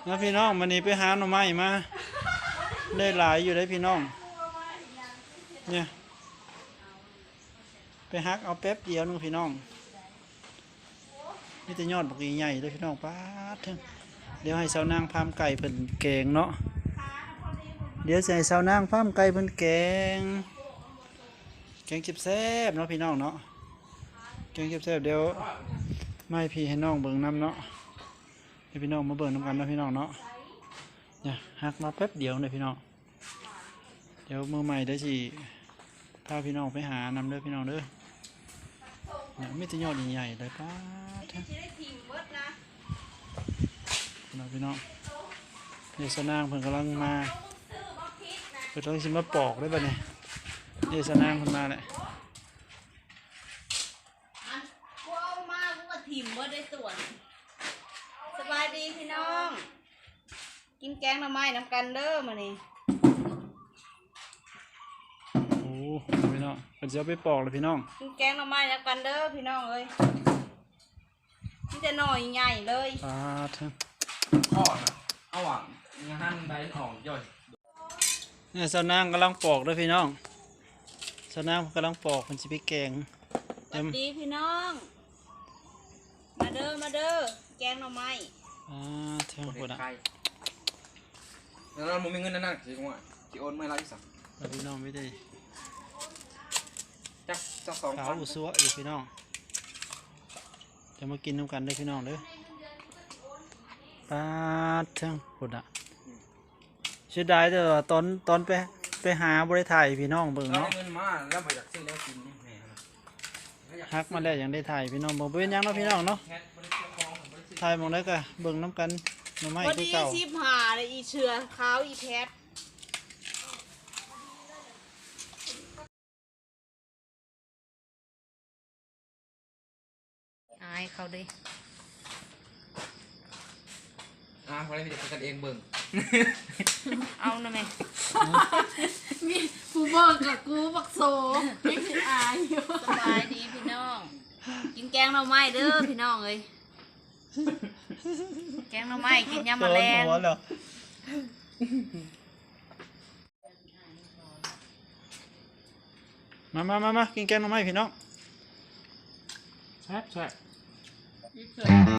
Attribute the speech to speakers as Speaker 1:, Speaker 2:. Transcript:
Speaker 1: นะพี่น้องวันนี้ไปหาหน่อไม้มาได้หลายอยู่ได้พี่น้องเนี่ยไปฮักเอาแป๊บเดียวนึงพี่น้องนี่จะยอดบักใหญ่เลยพี่น้องป้าทึ่งเดี๋ยวให้สาวนางพามไก่เพิ่นแกงเนาะเดี๋ยวใส่สาวนางพามไก่เพิ่นแกงแซ่บเนาะพี่น้องเนาะแกงแซ่บเดี๋ยวไม่พี่ให้น้องเบิ่งน้ำเนาะให้พี่น้องมาเบิ่งน้ำกันนะพี่น้องเนาะเนี่ยฮักมาแป๊บเดียวเลยพี่น้องเดี๋ยวมือใหม่ได้สิพาพี่น้องไปหานำเด้อพี่น้องเด้อเนี่ยไม่จะยอดใหญ่ๆเลยป้าท่านพี่น้องเดี๋ยวสนางเพิ่นกำลังมาเพิ่นต้องชิมมาปอกได้ป่ะเนี่ยเดี๋ยวสนางเพิ่นมาแหละ
Speaker 2: กูเอามากูก็ถิ่มเมื่อได้ส่วนสบายดีพี่น้องกินแกงหน่อไม้น้ำกันเด้อมื้อนี้
Speaker 1: โอ้พี่น้องเพิ่นจะเอาไปปอกเลยพี่น้อง
Speaker 2: กินแกงหน่อไม้น้ำกันเด้อพี่น้องเอ้ยนี่จะหน่อยใหญ่เลย
Speaker 1: ป้าท่าน
Speaker 3: ทอดเอาหวังงานใบอ่อนย่อย
Speaker 1: เนี่ยสนางกำลังปอกเลยพี่น้องสนางกำลังปอกเพิ่นสิไปแกง
Speaker 2: สวัสดีพี่น้องมาเด้อแกงหน่อไม้
Speaker 1: เท่าคนอ่ะ
Speaker 3: แล้วเราไม่มีเงินนั่นสิว่าที่โอนไม่ไรสั่ง
Speaker 1: พี่น้องไม่ได้
Speaker 3: จักสอง
Speaker 1: ขาวอุซัวอยู่พี่น้องจะมากินน้ำกันได้พี่น้องเด้อป้าเท่าคนอ่ะเสียดายแต่ว่าตอนไปหาบริถ่ายพี่น้องเบิ่งเนาะ
Speaker 3: เงินมาแล้วไปจากซื้อแล้วกิน
Speaker 1: ฮักมาแล้วยังได้ถ่ายพี่น้องบอกเป็นยังเนาะพี่น้องเนาะถ่ายมองได้ก็เบิ่งน้ำกันหน่อไม้คือเก่า
Speaker 2: 15เลยอีเชือขาวอีแพทอายเขาดิ
Speaker 3: พอได้พี่จะกันเองเบิ่ง
Speaker 2: เอาหน่อยไหม
Speaker 4: มีผู้บอกกับกูบักโซไม่อายอยู่
Speaker 2: สบายดีพี่น้องกินแกงหน่อไม้เด้อพี่น้องเอ้ยแกงหน่อไม้กินยำแมลง
Speaker 1: มากินแกงหน่อไม้พี่น้อง
Speaker 3: แซ่บ